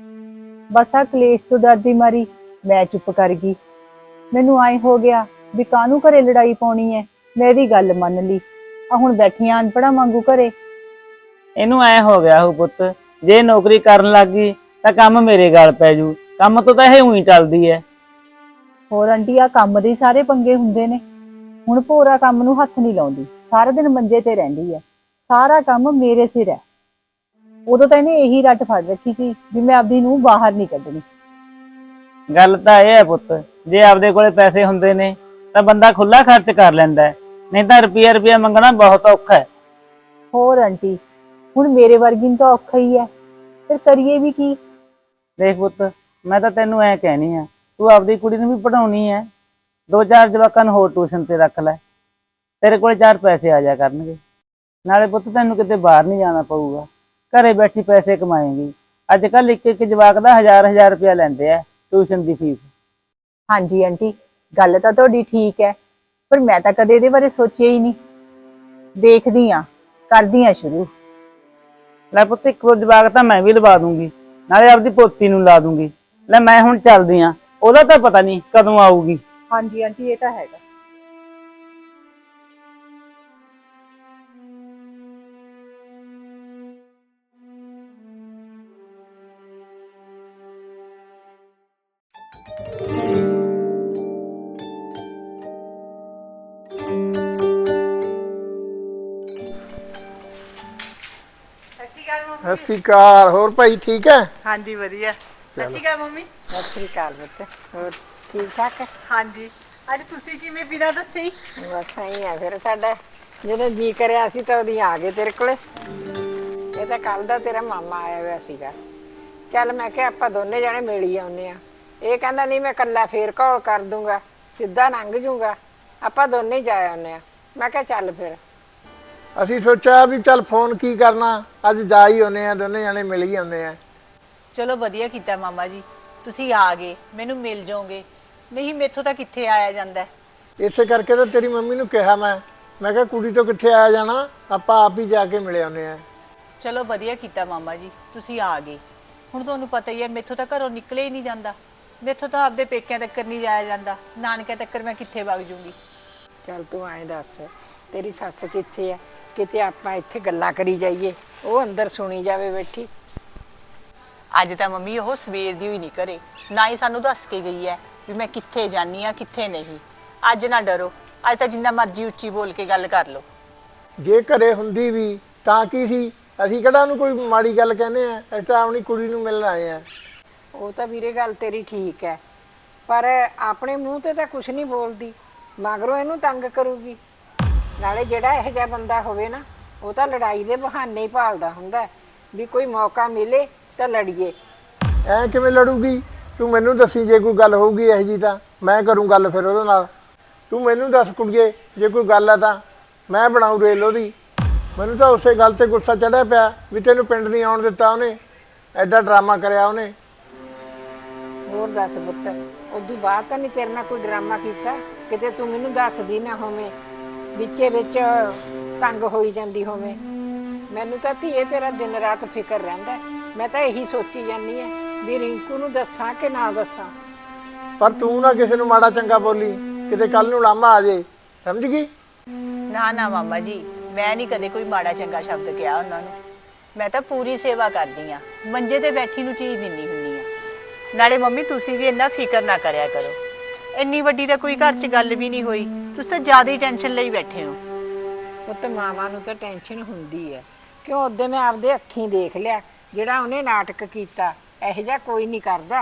Speaker 4: ਬਸ ਆ ਕਲੇਸ਼ ਤੋਂ ਡਰਦੀ ਮਾਰੀ ਮੈਂ ਚੁੱਪ ਕਰ ਗਈ। ਮੈਨੂੰ ਆਏ ਹੋ ਗਿਆ ਵੀ ਕਾਹਨੂੰ ਘਰੇ ਲੜਾਈ ਪਾਉਣੀ ਹੈ। ਮੈਂ ਇਹਦੀ ਗੱਲ ਮੰਨ ਲਈ। ਆ ਹੁਣ ਬੈਠੀਆਂ ਅਨਪੜ੍ਹਾਂ ਵਾਂਗੂ ਘਰੇ।
Speaker 6: ਇਹਨੂੰ ਐ ਹੋ ਗਿਆ ਹੋ ਪੁੱਤ, ਜੇ ਨੌਕਰੀ ਕਰਨ ਲੱਗ ਗਈ ਤਾਂ ਕੰਮ ਮੇਰੇ ਗਲ ਪੈ ਜੂ। ਕੰਮ ਤੋਂ ਤਾਂ ਇਹ ਉਹੀ ਚੱਲਦੀ ਐ।
Speaker 4: ਹੋਰ ਆਂਟੀ ਆ ਕੰਮ ਦੇ ਸਾਰੇ ਪੰਗੇ ਹੁੰਦੇ ਨੇ। ਹੁਣ ਭੋਰਾ ਕੰਮ ਨੂੰ ਹੱਥ ਨਹੀਂ ਲਾਉਂਦੀ, ਸਾਰਾ ਦਿਨ ਮੰਜੇ ਤੇ ਰਹਿੰਦੀ ਹੈ। ਸਾਰਾ ਕੰਮ ਮੇਰੇ ਸਿਰ ਹੈ। ਉਦੋਂ ਤਾਂ ਇਹਨੇ ਇਹੀ ਰੱਟ ਫੜ ਰੱਖੀ ਸੀ ਵੀ ਮੈਂ ਆਪਦੀ ਨੂੰ ਬਾਹਰ ਨਹੀਂ ਕੱਢਣੀ।
Speaker 6: ਗੱਲ ਤਾਂ ਇਹ ਹੈ ਪੁੱਤ, ਜੇ ਆਪਦੇ ਕੋਲੇ ਪੈਸੇ ਹੁੰਦੇ ਨੇ ਤਾਂ ਬੰਦਾ ਖੁੱਲਾ ਖਰਚ ਕਰ ਲੈਂਦਾ ਹੈ, ਨਹੀਂ ਤਾਂ ਰੁਪਈਆ ਮੰਗਣਾ ਬਹੁਤ ਔਖਾ ਹੈ।
Speaker 4: ਹੋਰ ਆਂਟੀ, ਹੁਣ ਮੇਰੇ ਵਰਗੀ ਨੂੰ ਤਾਂ ਔਖਾ ਹੀ ਹੈ, ਫਿਰ ਕਰੀਏ ਵੀ ਕੀ?
Speaker 6: ਦੇਖ ਪੁੱਤ, ਮੈਂ ਤਾਂ ਤੈਨੂੰ ਐ ਕਹਿਣੀ ਆ, ਤੂੰ ਆਪਦੀ ਕੁੜੀ ਨੂੰ ਵੀ ਪੜਾਉਣੀ ਐ, 2-4 ਜਵਾਕਾਂ ਨੂੰ ਹੋਰ ਟਿਊਸ਼ਨ ਤੇ ਰੱਖ ਲੈ, ਤੇਰੇ ਕੋਲ 4 ਪੈਸੇ ਆ ਜਾ ਕਰਨਗੇ। ਨਾਲੇ ਪੁੱਤ ਤੈਨੂੰ ਕਿਤੇ ਬਾਹਰ ਨਹੀਂ ਜਾਣਾ ਪਊਗਾ, ਘਰੇ ਬੈਠੀ ਪੈਸੇ ਕਮਾਏਂਗੀ। ਅੱਜ ਕੱਲ ਇੱਕ ਜਵਾਕ ਦਾ 1000 ਰੁਪਇਆ ਲੈਂਦੇ ਆ ਟਿਊਸ਼ਨ ਦੀ ਫੀਸ।
Speaker 4: ਹਾਂਜੀ ਆਂਟੀ, ਗੱਲ ਤਾਂ ਤੁਹਾਡੀ ਠੀਕ ਹੈ, ਪਰ ਮੈਂ ਤਾਂ ਕਦੇ ਇਹਦੇ ਬਾਰੇ ਸੋਚਿਆ ਹੀ ਨਹੀਂ। ਦੇਖਦੀ ਆ, ਕਰਦੀ ਆ ਸ਼ੁਰੂ।
Speaker 6: ਲੈ ਪੁੱਤ, ਇੱਕ ਜਵਾਕ ਤਾਂ ਮੈਂ ਵੀ ਲਵਾ ਦੂੰਗੀ, ਨਾਲੇ ਆਪਦੀ ਪੋਤੀ ਨੂੰ ਲਾ ਦੂੰਗੀ। ਲੈ ਮੈਂ ਹੁਣ ਚੱਲਦੀ ਆ, ਉਹਦਾ ਤਾਂ ਪਤਾ ਨਹੀਂ ਕਦੋਂ ਆਊਗੀ।
Speaker 4: ਹਾਂਜੀ ਆਂਟੀ, ਇਹ ਤਾਂ ਹੈਗਾ।
Speaker 2: ਸਤਿ ਸ਼੍ਰੀ ਅਕਾਲ। ਹੋਰ ਭਾਈ ਠੀਕ ਹੈ?
Speaker 4: ਹਾਂਜੀ ਵਧੀਆ। ਸਤਿ ਸ਼੍ਰੀ ਅਕਾਲ ਮੰਮੀ।
Speaker 1: ਸਤਿ ਸ੍ਰੀ ਅਕਾਲ ਪੁੱਤ, ਹੋਰ ਠੀਕ ਠਾਕ?
Speaker 4: ਹਾਂਜੀ, ਅੱਜ ਤੁਸੀਂ ਕਿਵੇਂ ਬਿਨਾਂ ਦੱਸੇ?
Speaker 1: ਬਸ ਐਂ ਆ ਫਿਰ ਸਾਡਾ, ਜਦੋਂ ਜੀ ਕਰਿਆ ਸੀ ਤਾਂ ਉਹਦੀ ਆ ਗਏ ਤੇਰੇ ਕੋਲੇ। ਇਹ ਤਾਂ ਕੱਲ ਦਾ ਤੇਰਾ ਮਾਮਾ ਆਇਆ ਹੋਇਆ ਸੀਗਾ। ਚੱਲ ਮੈਂ ਕਿਹਾ ਆਪਾਂ ਦੋਨੇ ਜਾਣੇ ਮਿਲ ਹੀ ਆਉਂਦੇ ਆ। ਇਹ ਕਹਿੰਦਾ ਨਹੀਂ ਮੈਂ ਇਕੱਲਾ ਫੇਰ ਘੋਲ ਕਰ ਦੂੰਗਾ, ਸਿੱਧਾ ਲੰਘ ਜੂਗਾ, ਆਪਾਂ ਦੋਨੇ ਹੀ ਜਾ ਆਉਂਦੇ ਆ। ਮੈਂ ਕਿਹਾ ਚੱਲ ਫਿਰ।
Speaker 2: ਅਸੀਂ ਸੋਚਿਆ ਵੀ ਚੱਲ ਫੋਨ ਕੀ ਕਰਨਾ, ਅੱਜ ਜਾ ਹੀ ਆਉਂਦੇ ਆ, ਦੋਨੇ ਜਾਣੇ ਮਿਲ ਹੀ ਆਉਂਦੇ ਆ।
Speaker 4: ਚਲੋ ਵਧੀਆ ਕੀਤਾ ਮਾਮਾ ਜੀ, ਤੁਸੀਂ ਆ ਗਏ, ਮੈਨੂੰ ਮਿਲ ਜਾਓਗੇ, ਨਹੀਂ ਮੈਥੋਂ ਤਾਂ ਕਿੱਥੇ ਆਇਆ ਜਾਂਦਾ।
Speaker 2: ਇਸੇ ਕਰਕੇ ਤਾਂ ਤੇਰੀ ਮੰਮੀ ਨੂੰ ਕਿਹਾ ਮੈਂ ਕਿਹਾ ਕੁੜੀ ਤੋਂ ਕਿੱਥੇ ਆਇਆ ਜਾਣਾ, ਆਪਾਂ ਆਪ ਹੀ ਜਾ ਕੇ ਮਿਲ ਆਉਂਦੇ ਆ।
Speaker 4: ਚਲੋ ਵਧੀਆ ਕੀਤਾ ਮਾਮਾ ਜੀ, ਤੁਸੀਂ ਆ ਗਏ। ਹੁਣ ਤੁਹਾਨੂੰ ਪਤਾ ਹੀ ਹੈ ਮੈਥੋਂ ਤਾਂ ਘਰੋਂ ਨਿਕਲੇ ਹੀ ਨਹੀਂ ਜਾਂਦਾ। ਮੈਥੋਂ ਤਾਂ ਆਪਦੇ ਪੇਕਿਆਂ ਤੱਕ ਨਹੀਂ ਜਾਇਆ ਜਾਂਦਾ, ਨਾਨਕਿਆਂ ਤੱਕ ਮੈਂ ਕਿੱਥੇ ਵਗ ਜੂੰਗੀ।
Speaker 1: ਚੱਲ ਤੂੰ ਐਂ ਦੱਸ, ਤੇਰੀ ਸੱਸ ਕਿੱਥੇ ਆ? ਕਿਤੇ ਆਪਾਂ ਇੱਥੇ ਗੱਲਾਂ ਕਰੀ ਜਾਈਏ, ਉਹ ਅੰਦਰ ਸੁਣੀ ਜਾਵੇ ਬੈਠੀ।
Speaker 4: ਅੱਜ ਤਾਂ ਮੰਮੀ ਉਹ ਸਵੇਰ ਦੀ ਹੋਈ ਨਹੀਂ ਘਰੇ, ਨਾ ਹੀ ਸਾਨੂੰ ਦੱਸ ਕੇ ਗਈ ਹੈ ਵੀ ਮੈਂ ਕਿੱਥੇ ਜਾਨੀ ਆ ਕਿੱਥੇ ਨਹੀਂ। ਅੱਜ ਨਾ ਡਰੋ, ਅੱਜ ਤਾਂ ਜਿੰਨਾ ਮਰਜ਼ੀ ਉੱਚੀ ਬੋਲ ਕੇ ਗੱਲ ਕਰ ਲਓ।
Speaker 2: ਜੇ ਘਰੇ ਹੁੰਦੀ ਵੀ ਤਾਂ ਕੀ ਸੀ, ਅਸੀਂ ਕਿਹੜਾ ਉਹਨੂੰ ਕੋਈ ਮਾੜੀ ਗੱਲ ਕਹਿੰਦੇ ਆ, ਅਸੀਂ ਤਾਂ ਆਪਣੀ ਕੁੜੀ ਨੂੰ ਮਿਲਣ ਆਏ ਆ।
Speaker 1: ਉਹ ਤਾਂ ਵੀਰੇ ਗੱਲ ਤੇਰੀ ਠੀਕ ਹੈ, ਪਰ ਆਪਣੇ ਮੂੰਹ ਤੇ ਤਾਂ ਕੁਝ ਨਹੀਂ ਬੋਲਦੀ, ਮਗਰੋਂ ਇਹਨੂੰ ਤੰਗ ਕਰੂਗੀ। ਨਾਲੇ ਜਿਹੜਾ ਇਹੋ ਜਿਹਾ ਬੰਦਾ ਹੋਵੇ ਨਾ, ਉਹ ਤਾਂ ਲੜਾਈ ਦੇ ਬਹਾਨੇ ਹੀ ਭਾਲਦਾ ਹੁੰਦਾ ਵੀ ਕੋਈ ਮੌਕਾ ਮਿਲੇ ਤਾਂ ਲੜੀਏ।
Speaker 2: ਐ ਕਿਵੇਂ ਲੜੂਗੀ? ਤੂੰ ਮੈਨੂੰ ਦੱਸੀ, ਜੇ ਕੋਈ ਗੱਲ ਹੋਊਗੀ ਇਹੋ ਜਿਹੀ ਤਾਂ ਮੈਂ ਕਰੂੰ ਗੱਲ ਫਿਰ ਉਹਦੇ ਨਾਲ। ਤੂੰ ਮੈਨੂੰ ਦੱਸ ਕੁੜੀਏ, ਜੇ ਕੋਈ ਗੱਲ ਆ ਤਾਂ ਮੈਂ ਬਣਾਉ ਰੇਲ ਉਹਦੀ। ਮੈਨੂੰ ਤਾਂ ਉਸੇ ਗੱਲ ਤੇ ਗੁੱਸਾ ਚੜਿਆ ਪਿਆ ਵੀ ਤੈਨੂੰ ਪਿੰਡ ਨਹੀਂ ਆਉਣ ਦਿੱਤਾ ਉਹਨੇ, ਐਡਾ ਡਰਾਮਾ ਕਰਿਆ ਉਹਨੇ।
Speaker 1: ਹੋਰ ਦੱਸ ਪੁੱਤ, ਉਦੋਂ ਬਾਅਦ ਤਾਂ ਨਹੀਂ ਤੇਰੇ ਨਾਲ ਕੋਈ ਡਰਾਮਾ ਕੀਤਾ? ਕਿਤੇ ਤੂੰ ਮੈਨੂੰ ਦੱਸਦੀ ਨਾ ਹੋਵੇਂ, ਵਿੱਚੇ ਵਿੱਚ ਤੰਗ ਹੋਈ ਜਾਂਦੀ ਹੋਵੇਂ। ਮੈਨੂੰ ਤਾਂ ਧੀਏ ਤੇਰਾ ਦਿਨ ਰਾਤ ਫਿਕਰ ਰਹਿੰਦਾ ਮੈਂ ਤਾਂ ਇਹੀ ਸੋਚੀ ਜਾਂਦੀ ਆ ਵੀ ਰਿੰਕੂ ਨੂੰ ਦੱਸਾਂ ਕਿ ਨਾ ਦੱਸਾਂ।
Speaker 2: ਪਰ ਤੂੰ ਨਾ ਕਿਸੇ ਨੂੰ ਮਾੜਾ ਚੰਗਾ ਬੋਲੀ, ਕਿਤੇ ਕੱਲ ਨੂੰ ਲਾਮਾ ਆ ਜੇ, ਸਮਝ ਗਈ?
Speaker 4: ਨਾ ਨਾ ਮਾਮਾ ਜੀ, ਮੈਂ ਨਹੀਂ ਕਦੇ ਕੋਈ ਮਾੜਾ ਚੰਗਾ ਸ਼ਬਦ ਕਿਹਾ ਉਹਨਾਂ ਨੂੰ। ਮੈਂ ਤਾਂ ਪੂਰੀ ਸੇਵਾ ਕਰਦੀ ਆ, ਮੰਜੇ ਤੇ ਬੈਠੀ ਨੂੰ ਚੀਜ਼ ਦਿੰਨੀ ਹੁੰਨੀ ਆ। ਨਾਲੇ ਮੰਮੀ ਤੁਸੀਂ ਵੀ ਇੰਨਾ ਫਿਕਰ ਨਾ ਕਰਿਆ ਕਰੋ, ਇੰਨੀ ਵੱਡੀ ਤਾਂ ਕੋਈ ਘਰ 'ਚ ਗੱਲ ਵੀ ਨਹੀਂ ਹੋਈ, ਤੁਸੀਂ ਤਾਂ ਜ਼ਿਆਦਾ ਹੀ ਟੈਨਸ਼ਨ ਲਈ ਬੈਠੇ ਹੋ।
Speaker 1: ਪੁੱਤ ਮਾਵਾਂ ਨੂੰ ਤਾਂ ਟੈਨਸ਼ਨ ਹੁੰਦੀ ਹੈ, ਕਿਉਂ ਉਹਦੇ ਮੈਂ ਆਪਦੇ ਅੱਖੀਂ ਦੇਖ ਲਿਆ ਜਿਹੜਾ ਉਹਨੇ ਨਾਟਕ ਕੀਤਾ, ਇਹੋ ਜਿਹਾ ਕੋਈ ਨਹੀਂ ਕਰਦਾ।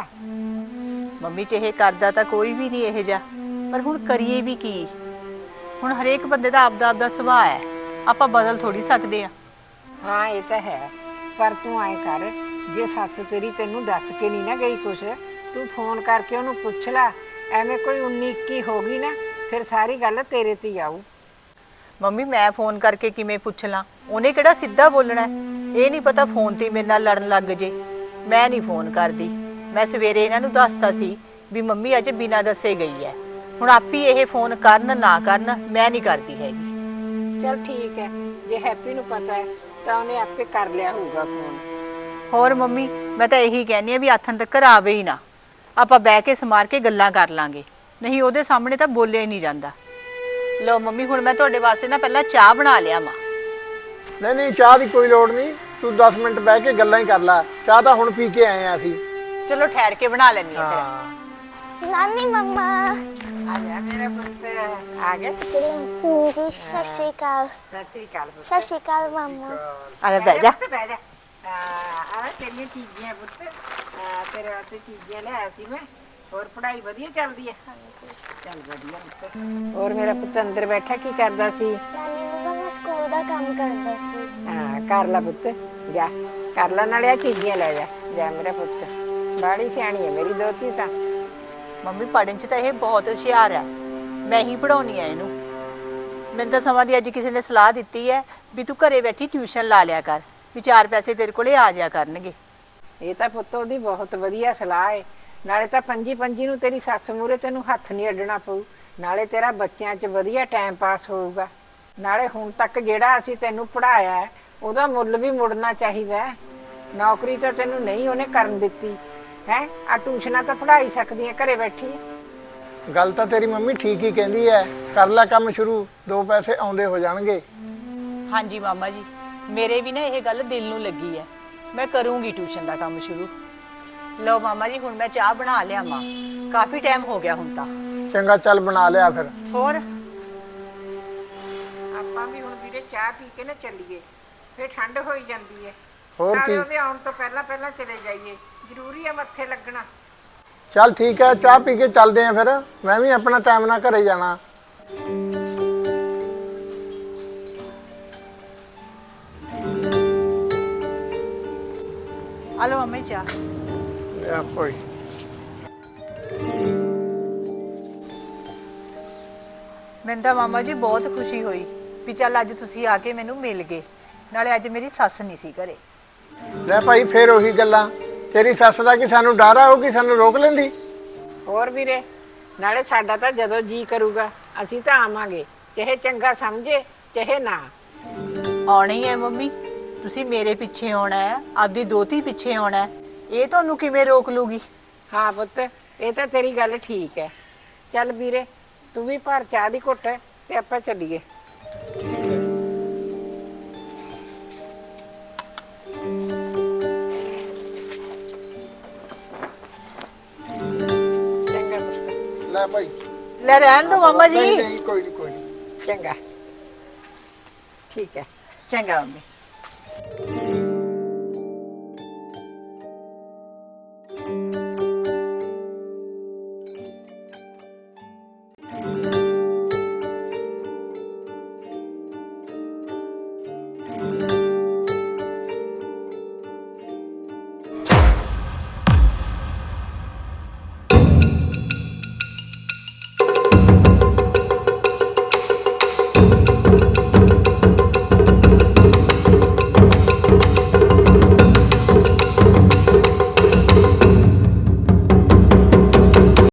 Speaker 4: ਮੰਮੀ ਚਾਹੇ ਕਰਦਾ ਤਾਂ ਕੋਈ ਵੀ ਨਹੀਂ ਇਹੋ ਜਿਹਾ, ਪਰ ਹੁਣ ਕਰੀਏ ਵੀ ਕੀ? ਹੁਣ ਹਰੇਕ ਬੰਦੇ ਦਾ ਆਪਦਾ ਸੁਭਾਅ ਹੈ, ਆਪਾਂ ਬਦਲ ਥੋੜੀ ਸਕਦੇ ਆ।
Speaker 1: ਹਾਂ ਇਹ ਤਾਂ ਹੈ, ਪਰ ਤੂੰ ਐਂ ਕਰ, ਜੇ ਸੱਸ ਤੇਰੀ ਤੈਨੂੰ ਦੱਸ ਕੇ ਨਹੀਂ ਨਾ ਗਈ ਕੁਛ, ਤੂੰ ਫੋਨ ਕਰਕੇ ਉਹਨੂੰ ਪੁੱਛ ਲੈ। ਐਵੇਂ ਕੋਈ 19-21 ਹੋ ਗਈ ਨਾ, ਫਿਰ ਸਾਰੀ ਗੱਲ ਤੇਰੇ ਤੇ ਹੀ ਆਊ।
Speaker 4: ਮੰਮੀ ਮੈਂ ਫੋਨ ਕਰਕੇ ਕਿਵੇਂ ਪੁੱਛ ਲਾਂ? ਉਹਨੇ ਕਿਹੜਾ ਸਿੱਧਾ ਬੋਲਣਾ ਹੈ? ਇਹ ਨਹੀਂ ਪਤਾ ਫੋਨ ਤੇ ਮੇਰੇ ਨਾਲ ਲੜਨ ਲੱਗ ਜੇ। ਮੈਂ ਨਹੀਂ ਫੋਨ ਕਰਦੀ। ਮੈਂ ਸਵੇਰੇ ਇਹਨਾਂ ਨੂੰ ਦੱਸਤਾ ਸੀ ਵੀ ਮੰਮੀ ਅੱਜ ਬਿਨਾਂ ਦੱਸੇ ਗਈ ਹੈ। ਹੁਣ ਆਪੀ ਇਹ ਫੋਨ ਕਰਨ ਨਾ ਕਰਨ, ਮੈਂ ਨਹੀਂ ਕਰਦੀ ਹੈਗੀ।
Speaker 1: ਚਲ ਠੀਕ ਹੈ, ਜੇ ਹੈਪੀ ਨੂੰ ਪਤਾ ਹੈ ਤਾਂ ਉਹਨੇ ਆਪੇ ਕਰ ਲਿਆ ਹੋਊਗਾ ਫੋਨ।
Speaker 4: ਹੋਰ ਮੰਮੀ ਮੈਂ ਤਾਂ ਇਹੀ ਕਹਿੰਦੀ ਆ ਵੀ ਆਥਣ ਤੱਕ ਆਵੇ ਹੀ ਨਾ, ਆਪਾਂ ਬਹਿ ਕੇ ਸਮਾਰ ਕੇ ਗੱਲਾਂ ਕਰ ਲਾਂਗੇ, ਨਹੀਂ ਉਹਦੇ ਸਾਹਮਣੇ ਤਾਂ ਬੋਲਿਆ ਹੀ ਨਹੀਂ ਜਾਂਦਾ। ਲਓ ਮੰਮੀ ਹੁਣ ਮੈਂ ਤੁਹਾਡੇ ਵਾਸਤੇ ਨਾ ਪਹਿਲਾਂ ਚਾਹ ਬਣਾ ਲਿਆ ਮਾਂ।
Speaker 2: ਨਹੀਂ ਚਾਹ ਦੀ ਕੋਈ ਲੋੜ ਨਹੀਂ, ਤੂੰ 10 ਮਿੰਟ ਬਹਿ ਕੇ ਗੱਲਾਂ ਹੀ ਕਰ ਲੈ, ਚਾਹ ਤਾਂ ਹੁਣ ਪੀ ਕੇ ਆਏ ਆ ਅਸੀਂ।
Speaker 4: ਚਲੋ ਠਹਿਰ ਕੇ ਬਣਾ ਲੈਣੀ ਆ ਫਿਰ।
Speaker 7: ਨਾਨੀ ਮੰਮਾ
Speaker 1: ਆ ਜਾ ਮੇਰਾ ਪੁੱਤ, ਆ ਗਿਆ।
Speaker 7: ਰਿੰਕੂ ਦੀ ਸਤਿ ਸ਼੍ਰੀ ਅਕਾਲ।
Speaker 1: ਸਤਿ ਸ੍ਰੀ ਅਕਾਲ ਪੁੱਤ।
Speaker 7: ਸਤਿ ਸ਼੍ਰੀ ਅਕਾਲ ਮਾਮਾ।
Speaker 4: ਆ ਜਾ ਬਹਿ ਜਾ।
Speaker 1: ਬਹਿ ਜਾ। ਆ ਤੇਰੀਆਂ ਚੀਜ਼ਾਂ ਪੁੱਤ, ਤੇਰੇ ਵਾਸਤੇ ਚੀਜ਼ਾਂ ਲਿਆਇਆ ਸੀ ਮੈਂ। ਹੋਰ ਪੜ੍ਹਾਈ ਵਧੀਆ ਚੱਲਦੀ ਹੈ? ਚੱਲ ਵਧੀਆ ਪੁੱਤ। ਹੋਰ ਮੇਰਾ ਪੁੱਤ ਅੰਦਰ ਬੈਠਾ ਕੀ ਕਰਦਾ ਸੀ?
Speaker 7: ਨਾਨੀ ਮੰਮਾ ਮੈਂ ਸਕੂਲ ਦਾ ਕੰਮ ਕਰਦਾ ਸੀ।
Speaker 1: ਹਾਂ ਕਰ ਲੈ ਪੁੱਤ, ਜਾ ਕਰ ਲੈ, ਨਾਲੇ ਆ ਚੀਜ਼ਾਂ ਲੈ ਜਾ ਮੇਰਾ ਪੁੱਤ। ਬਾੜੀ ਸਿਆਣੀ ਹੈ ਮੇਰੀ ਦੋਤੀ ਤਾਂ।
Speaker 4: ਮੰਮੀ ਪੜ੍ਹਨ 'ਚ ਤਾਂ ਇਹ ਬਹੁਤ ਹੁਸ਼ਿਆਰ ਹੈ, ਮੈਂ ਹੀ ਪੜਾਉਣੀ ਆ ਇਹਨੂੰ। ਮੈਨੂੰ ਤਾਂ ਸਮਾਂ ਦੀ ਅੱਜ ਕਿਸੇ ਨੇ ਸਲਾਹ ਦਿੱਤੀ ਹੈ ਵੀ ਤੂੰ ਘਰੇ ਬੈਠੀ ਟਿਊਸ਼ਨ ਲਾ ਲਿਆ ਕਰ, ਵੀ 4 ਪੈਸੇ ਤੇਰੇ ਕੋਲੇ ਆ ਜਾਇਆ ਕਰਨਗੇ।
Speaker 1: ਇਹ ਤਾਂ ਪੁੱਤ ਉਹਦੀ ਬਹੁਤ ਵਧੀਆ ਸਲਾਹ ਹੈ। ਨਾਲੇ ਤਾਂ ਪੰਜੀ ਨੂੰ ਤੇਰੀ ਸੱਸ ਮੂਹਰੇ ਤੈਨੂੰ ਹੱਥ ਨਹੀਂ ਅੱਡਣਾ ਪਊ, ਨਾਲੇ ਤੇਰਾ ਬੱਚਿਆਂ 'ਚ ਵਧੀਆ ਟਾਈਮ ਪਾਸ ਹੋਊਗਾ। ਨਾਲੇ ਹੁਣ ਤੱਕ ਜਿਹੜਾ ਅਸੀਂ ਤੈਨੂੰ ਪੜ੍ਹਾਇਆ ਹੈ ਉਹਦਾ ਮੁੱਲ ਵੀ ਮੁੜਨਾ ਚਾਹੀਦਾ ਹੈ। ਨੌਕਰੀ ਤਾਂ ਤੈਨੂੰ ਨਹੀਂ ਉਹਨੇ ਕਰਨ ਦਿੱਤੀ ਹੈ, ਆ ਟਿਊਸ਼ਨਾਂ ਤਾਂ ਪੜ੍ਹਾ ਹੀ ਸਕਦੀ ਹੈ ਘਰੇ ਬੈਠੀ।
Speaker 2: ਗੱਲ ਤਾਂ ਤੇਰੀ ਮੰਮੀ ਠੀਕ ਹੀ ਕਹਿੰਦੀ ਐ, ਕਰ ਲੈ ਕੰਮ ਸ਼ੁਰੂ, 2 ਪੈਸੇ ਆਉਂਦੇ ਹੋ ਜਾਣਗੇ।
Speaker 4: ਹਾਂਜੀ ਮਾਮਾ ਜੀ, ਮੇਰੇ ਵੀ ਨਾ ਇਹ ਗੱਲ ਦਿਲ ਨੂੰ ਲੱਗੀ ਹੈ, ਮੈਂ ਕਰੂੰਗੀ ਟਿਊਸ਼ਨ ਦਾ ਕੰਮ ਸ਼ੁਰੂ। ਲਓ ਮਾਮਾ ਜੀ ਹੁਣ ਮੈਂ ਚਾਹ ਬਣਾ ਲਿਆ ਮਾਂ, ਕਾਫੀ ਟਾਈਮ ਹੋ ਗਿਆ ਹੁਣ ਤਾਂ।
Speaker 2: ਚੰਗਾ ਚੱਲ ਬਣਾ ਲਿਆ ਫਿਰ।
Speaker 4: ਹੋਰ
Speaker 1: ਆਪਾਂ ਵੀ ਹੁਣ ਵੀਰੇ ਚਾਹ ਪੀ ਕੇ ਨਾ ਚੱਲੀਏ, ਫਿਰ ਠੰਡ ਹੋਈ ਜਾਂਦੀ ਹੈ।
Speaker 2: ਹੋਰ
Speaker 1: ਨਾਲੇ
Speaker 2: ਕੀ?
Speaker 1: ਉਹਦੇ ਆਉਣ ਤੋਂ ਪਹਿਲਾਂ ਚਲੇ ਜਾਈਏ, ਜ਼ਰੂਰੀ ਹੈ ਮੱਥੇ ਲੱਗਣਾ।
Speaker 2: ਚੱਲ ਠੀਕ ਹੈ, ਚਾਹ ਪੀ ਕੇ ਚੱਲਦੇ ਆਂ ਫਿਰ, ਮੈਂ ਵੀ ਆਪਣਾ ਟਾਈਮ ਨਾਲ ਘਰੇ ਜਾਣਾ।
Speaker 4: ਆ ਲਓ ਮੰਮੀ ਚਾਹ।
Speaker 2: ਲਿਆ ਕੋਈ।
Speaker 4: ਮੈਨੂੰ ਤਾਂ ਮਾਮਾ ਜੀ ਬਹੁਤ ਖੁਸ਼ੀ ਹੋਈ ਵੀ ਚੱਲ ਅੱਜ ਤੁਸੀਂ ਆ ਕੇ ਮੈਨੂੰ ਮਿਲ ਗਏ, ਨਾਲੇ ਅੱਜ ਮੇਰੀ ਸੱਸ ਨਹੀਂ ਸੀ ਘਰੇ।
Speaker 2: ਲੈ ਭਾਈ ਫੇਰ ਉਹੀ ਗੱਲਾਂ, ਤੇਰੀ ਸੱਸ ਦਾ ਕਿ ਸਾਨੂੰ ਡਰ ਆ ਉਹ ਕਿ ਸਾਨੂੰ ਰੋਕ ਲੈਂਦੀ?
Speaker 1: ਹੋਰ ਵੀਰੇ, ਨਾਲੇ ਸਾਡਾ ਤਾਂ ਜਦੋਂ ਜੀ ਕਰੂਗਾ ਅਸੀਂ ਤਾਂ ਆਵਾਂਗੇ, ਚਾਹੇ ਚੰਗਾ ਸਮਝੇ ਚਾਹੇ ਨਾ।
Speaker 4: ਆਉਣਾ ਹੀ ਹੈ ਮੰਮੀ, ਤੁਸੀਂ ਮੇਰੇ ਪਿੱਛੇ ਆਉਣਾ ਹੈ, ਆਪਦੀ ਦੋਤੀ ਪਿੱਛੇ ਆਉਣਾ ਹੈ, ਇਹ ਤੁਹਾਨੂੰ ਕਿਵੇਂ ਰੋਕ ਲੂਗੀ?
Speaker 1: ਹਾਂ ਪੁੱਤ, ਇਹ ਤਾਂ ਤੇਰੀ ਗੱਲ ਠੀਕ ਹੈ। ਚੱਲ ਵੀਰੇ ਤੂੰ ਵੀ ਭਰ ਚਾਹ ਦੀ ਘੁੱਟ ਤੇ ਆਪਾਂ ਚੱਲੀਏ। ਚੰਗਾ ਪੁੱਤ।
Speaker 2: ਲੈ ਭਾਈ।
Speaker 4: ਲੈ ਰਹਿਣ ਦੋ ਮਾਮਾ ਜੀ।
Speaker 2: ਨਹੀਂ ਕੋਈ ਨਹੀਂ।
Speaker 1: ਚੰਗਾ, ਠੀਕ ਹੈ।
Speaker 4: ਚੰਗਾ ਮੰਮੀ।